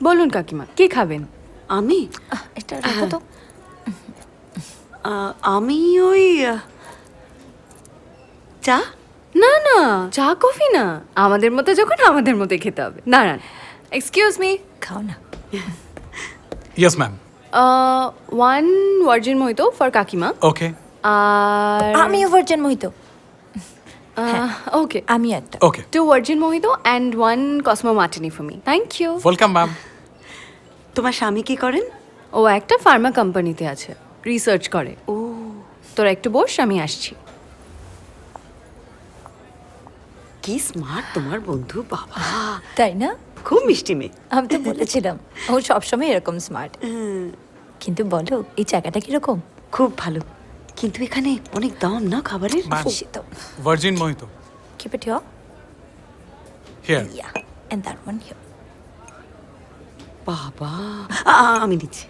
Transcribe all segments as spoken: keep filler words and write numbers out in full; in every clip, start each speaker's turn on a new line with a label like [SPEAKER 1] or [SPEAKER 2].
[SPEAKER 1] বলুন কাকিমা, কি খাবেন?
[SPEAKER 2] আমি
[SPEAKER 3] আহ, এটা রাখো তো।
[SPEAKER 2] আহ, আমি ওই আহ, চা।
[SPEAKER 1] না না, চা কফি না, আমাদের মতো যখন আমাদের মতো খেতে হবে। দাঁড়ান, এক্সকিউজ মি,
[SPEAKER 3] খাও না।
[SPEAKER 4] Yes, ma'am.
[SPEAKER 1] One virgin mojito for কাকিমা।
[SPEAKER 4] Okay.
[SPEAKER 1] আর
[SPEAKER 3] আমিও ভার্জিন মোহিত।
[SPEAKER 1] ওকে,
[SPEAKER 3] আমি একটা।
[SPEAKER 4] Okay.
[SPEAKER 1] Two virgin mojito and one cosmo martini for me. Thank you.
[SPEAKER 4] Welcome, ma'am.
[SPEAKER 2] তোমার স্বামী কি করেন?
[SPEAKER 1] ও একটা ফার্মা কোম্পানিতে আছে, রিসার্চ করে।
[SPEAKER 2] ও
[SPEAKER 1] তোরা একটু বস, আমি আসছি।
[SPEAKER 2] কি স্মার্ট তোমার বন্ধু, বাবা
[SPEAKER 3] তাই না?
[SPEAKER 2] খুব মিষ্টি মেয়ে।
[SPEAKER 3] আমি তো বলেছিলাম ও সবসময় এরকম স্মার্ট। কিন্তু বলো, এই জায়গাটা কিরকম?
[SPEAKER 2] খুব ভালো, কিন্তু এখানে অনেক দাম না খাবারের।
[SPEAKER 4] Ma'am.
[SPEAKER 3] শীত।
[SPEAKER 4] Virgin Mojito.
[SPEAKER 3] Keep it here.
[SPEAKER 4] Here.
[SPEAKER 3] Yeah. And that one here.
[SPEAKER 2] বাবা আ- আ- আমি দিচ্ছি।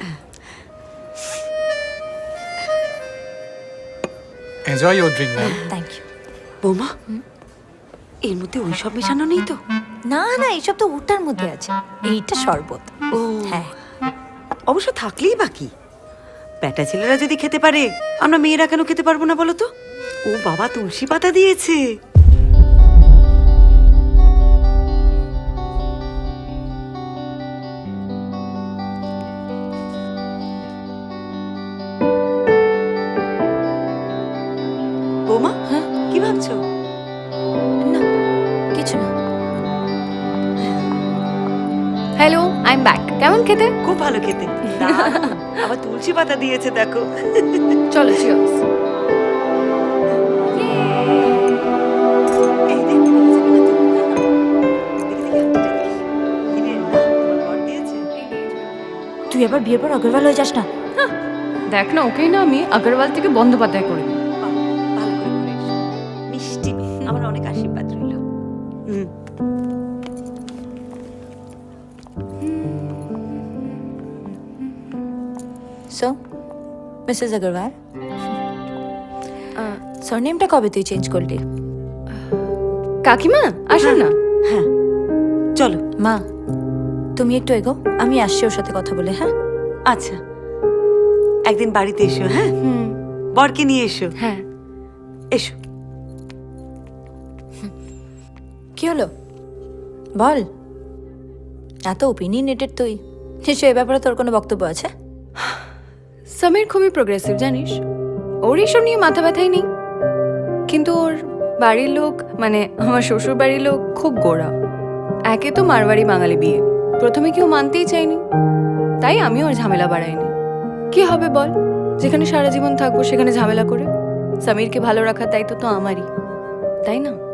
[SPEAKER 4] Enjoy your drink, ma'am.
[SPEAKER 3] Thank you.
[SPEAKER 2] বৌমা, এর মধ্যে ওই সব মেশানো নেই তো?
[SPEAKER 3] না না, এইসব তো ওটার মধ্যে আছে। এইটা শরবত।
[SPEAKER 2] ও
[SPEAKER 3] হ্যাঁ।
[SPEAKER 2] অবশ্য থাকলেই বাকি, বেটা ছেলেরা যদি খেতে পারে, আমরা মেয়েরা কেন খেতে পারবো না বলো তো? ও বাবা, তুলসী পাতা দিয়েছে। বৌমা,
[SPEAKER 3] হ্যাঁ?
[SPEAKER 2] কি ভাবছো?
[SPEAKER 3] না কিছু না।
[SPEAKER 1] Hello, I am back. কেমন খেতে?
[SPEAKER 2] খুব ভালো খেতে, দারুণ। আবার তুলসী পাতা দিয়েছে দেখো।
[SPEAKER 1] চলো, চিয়ার্স।
[SPEAKER 2] এই দেখ, দেখেছে কিনা তো? দেখি, দেখি, হাতটা দেখি। হিরে, না, তোমার বর দিয়েছে।
[SPEAKER 3] তুই এবার বিয়ের পর অগ্রওয়াল হয়ে যাস না।
[SPEAKER 1] দেখ না, ওকেই না আমি আগরওয়াল থেকে বন্দ্যোপাধ্যায় করে দিই।
[SPEAKER 2] বাহ, ভালো করে ঘুরে এসো। মিষ্টি মেয়ে, আমার অনেক আশীর্বাদ রইল। হুম।
[SPEAKER 3] সো মিসেস আগরওয়াল, সারনেমটা কবে তুই চেঞ্জ করলি?
[SPEAKER 1] কাকিমা আসুন না।
[SPEAKER 2] হ্যাঁ, চলো।
[SPEAKER 3] মা, তুমি একটু এগো, আমি আসছি ওর সাথে কথা বলে। হ্যাঁ
[SPEAKER 2] আচ্ছা, একদিন বাড়িতে এসো। হ্যাঁ,
[SPEAKER 1] হুম,
[SPEAKER 2] বরকে নিয়ে এসো।
[SPEAKER 1] হ্যাঁ।
[SPEAKER 2] এসো।
[SPEAKER 3] কি হলো বল। এত ওপিনিয়নেটেড তুই, নিশ্চয়ই এ ব্যাপারে তোর কোনো বক্তব্য আছে?
[SPEAKER 1] সমীর খুবই প্রোগ্রেসিভ জানিস, ওর এইসব নিয়ে মাথা ব্যথাই নেই। কিন্তু ওর বাড়ির লোক, মানে আমার শ্বশুর বাড়ির লোক খুব গোড়া। একে তো মারবাড়ি বাঙালি বিয়ে, প্রথমে কেউ মানতেই চায়নি, তাই আমি ওর ঝামেলা বাড়াইনি। কি হবে বল, যেখানে সারা জীবন থাকবো সেখানে ঝামেলা করে? সমীরকে ভালো রাখার দায়িত্ব তো আমারই, তাই না?